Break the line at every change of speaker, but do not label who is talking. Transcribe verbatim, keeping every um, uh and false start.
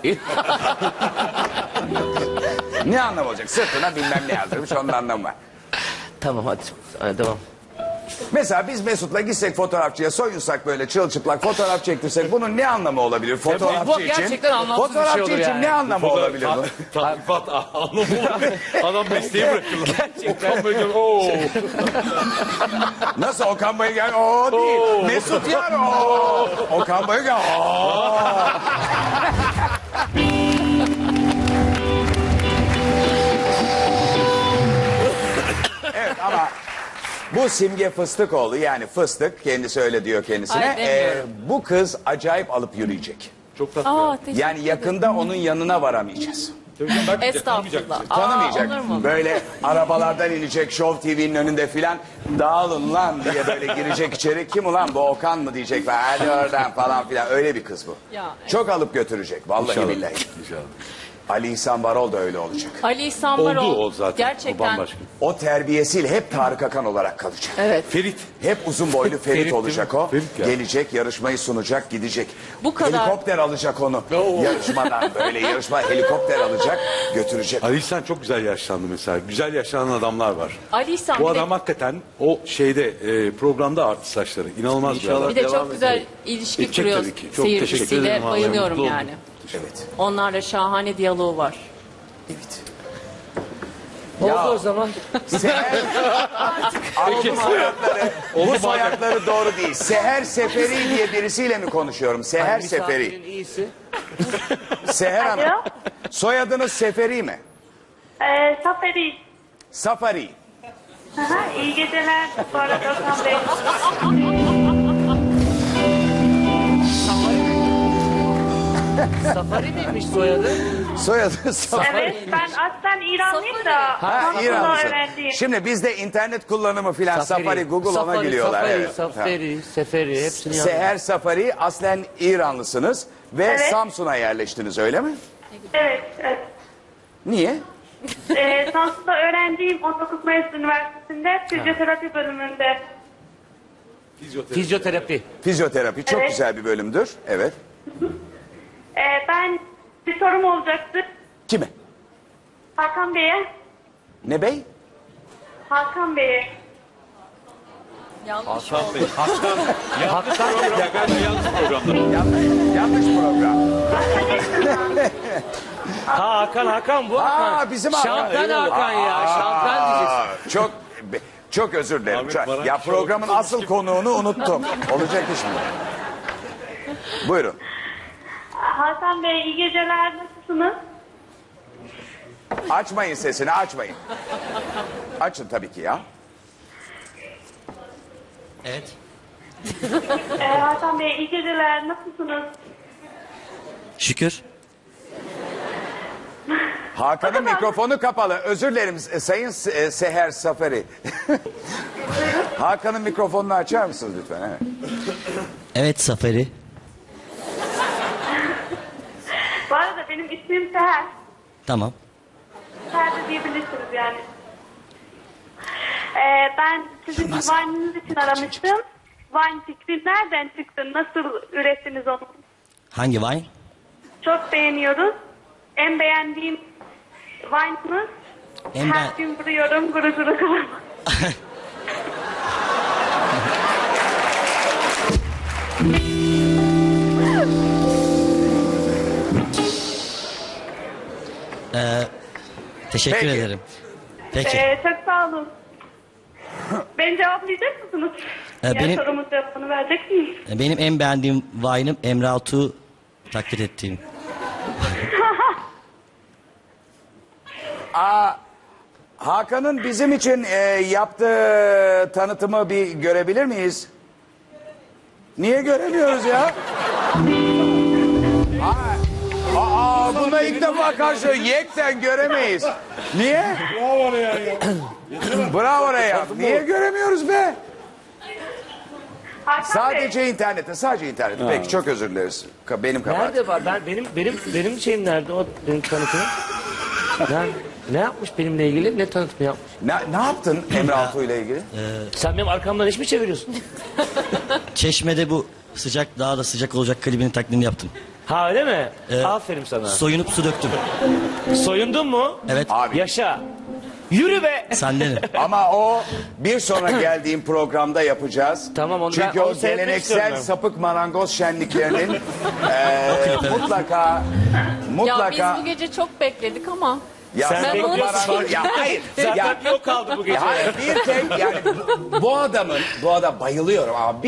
Ne anlamı olacak? Sırtına bilmem ne yazdırmış, onun anlamı var.
Tamam hadi. Hadi devam.
Mesela biz Mesut'la gitsek fotoğrafçıya, soyunsak böyle çılçıplak fotoğraf çektirsek bunun ne anlamı olabilir fotoğrafçı
bu
için?
gerçekten anlamsız bir şey
Fotoğrafçı
olur
için
yani.
ne anlamı olabilir bunun?
Tatbikat anlamı var. Adam mesleği bırakırlar. Gerçekten. Böyle, oo.
Nasıl Okan Bayülgen? Oo değil. Mesut Yar oo. Okan Bayülgen oo. Evet ama bu Simge Fıstıkoğlu, yani Fıstık, kendisi öyle diyor kendisine.
Ay, demiyorum.
bu kız acayip alıp yürüyecek.
Çok tatlı.
Aa, teşekkür
Yani yakında onun yanına varamayacağız.
Estağfurullah.
Tanımayacak.
Aa, olur mu?
Böyle arabalardan inecek, Show T V'nin önünde filan, dağılın lan diye böyle girecek içeri. Kim ulan bu, Okan mı diyecek, hadi oradan falan filan, öyle bir kız bu.
Ya, evet.
Çok alıp götürecek vallahi
İnşallah.
billahi.
İnşallah.
Ali İhsan Varol da öyle olacak.
Ali İhsan Varol.
Oldu o zaten. O
Gerçekten.
bambaşka.
O terbiyesiyle hep Tarık Akan olarak kalacak.
Evet.
Ferit.
Hep uzun boylu Ferit,
Ferit değil
olacak
mi?
o.
Ferit ya.
Gelecek, yarışmayı sunacak, gidecek.
Bu kadar.
Helikopter alacak onu. Yarışmadan böyle yarışma helikopter alacak, götürecek.
Ali İhsan çok güzel yaşlandı mesela. Güzel yaşlanan adamlar var.
Ali İhsan
Bu
bir de-
adam hakikaten o şeyde e, programda arttı saçları. İnanılmaz bir adam.
Bir de
Devam
çok güzel ilişki
Edecek
kuruyor
tabii ki. Çok teşekkür
seyircisiyle.
ederim, vallahi
Bayılıyorum
mutlu oldum.
yani.
Evet.
Onlarla şahane diyaloğu var.
Evet.
Oldu
Ya.
o zaman.
Seher... Peki. Bu soyadları, bu soyadları doğru değil. Seher Seferi diye birisiyle mi konuşuyorum? Seher Seferi.
Misafirin iyisi.
Seher Hanım.
Alo.
Soyadınız Seferi mi?
Ee, Saferi.
Safari.
Aha, iyi geceler. Bu arada Okan Bey.
Safari miymiş soyadı?
Soyadı Safari.
Evet, ben aslen İranlıyım da.
Ha,
Samsun'da
İranlısın.
öğrenciyim.
Şimdi bizde internet kullanımı filan Safari, Google ona
Safari,
gülüyorlar.
Safari,
Evet.
Safari, Seferi hepsini yazdım.
Seher Safari, aslen İranlısınız ve
Evet.
Samsun'a yerleştiniz, öyle mi?
Evet, evet.
Niye?
Ee, Samsun'da öğrenciyim. on dokuz Mayıs Üniversitesi'nde fizyoterapi bölümünde.
Fizyoterapi.
Fizyoterapi çok
Evet.
güzel bir bölümdür. Evet.
Ee, ben bir sorum olacaktı.
Kime?
Hakan Bey'e.
Ne bey?
Hakan Bey'e.
Yanlış
Hakan
oldu.
Bey. Hakan. Yanlış program. Ya galiba yanlış programda.
Yanlış, yanlış program.
Ha Hakan Hakan bu Hakan.
Aa, bizim Hakan.
Şampiyon Hakan ya. Şampiyon diyeceksin.
Aa, çok çok özür dilerim.
Abi,
Çok-
bana
ya
şey
programın
oldu.
asıl konuğunu unuttum. Olacak iş mi? Buyurun.
Hakan Bey, iyi geceler. Nasılsınız?
Açmayın sesini, açmayın. Açın tabii ki ya.
Evet.
Ee, Hakan Bey, iyi geceler. Nasılsınız?
Şükür.
Hakan'ın mikrofonu kapalı. Özür dilerim e, Sayın Se- e, Seher Safari. Hakan'ın mikrofonunu açar mısınız lütfen? Evet.
Evet Safari.
Bu arada benim ismim Seher.
Tamam.
Seher de diyebilirsiniz yani. Ee, ben sizin Vine'ınız için aramıştım. Vine fikri nereden çıktı? Nasıl ürettiniz onu?
Hangi Vine?
Çok beğeniyoruz. En beğendiğim Vine'ınız.
En
Her
ben-
gün vuruyorum guru guru kıvırma.
Teşekkür
Peki.
ederim. Peki.
Ee, çok sağ olun. Beni cevaplayacak mısınız?
Ee,
ya
benim-
sorumun cevabını verecek misiniz?
Benim en beğendiğim Vine'ım Emre Altuğ'u taklit ettiğim.
Hakan'ın bizim için e, yaptığı tanıtımı bir görebilir miyiz? Niye göremiyoruz ya? Aa, aa buna ilk defa karşı yekten göremeyiz. Niye? Bravo oraya. Bravo oraya. Niye göremiyoruz be?
Hakan Bey,
Sadece internette, sadece internette. Peki çok özür dileriz. Ka- Benim kabahatim.
Nerede var? Ben benim benim benim şeyim nerede o benim tanıtımım? Ben, ne yapmış benimle ilgili? Ne tanıtımı yapmış?
Ne, ne yaptın Emre Altuğ ile ilgili?
Sen benim arkamdan iş mi çeviriyorsun?
Çeşme'de bu sıcak daha da sıcak olacak klibinin taklidini yaptım.
Ha öyle mi?
Ee,
Aferin sana.
Soyunup su döktüm.
Soyundun mu?
Evet.
Abi
Yaşa. Yürü be.
Senden.
ama o bir sonra geldiğim programda yapacağız.
Tamam, onu
Çünkü
ben- onu
o
seyretmek
geleneksel
istiyorum ben.
sapık marangoz şenliklerinin eee, mutlaka
Ya
mutlaka
biz bu gece çok bekledik ama.
ya,
Sen
sapık
bekliyorsun.
marangoz ya hayır
Zaten
ya,
yok kaldı bu gece.
hayır bir tek yani bu, bu adamın bu adam bayılıyorum abi.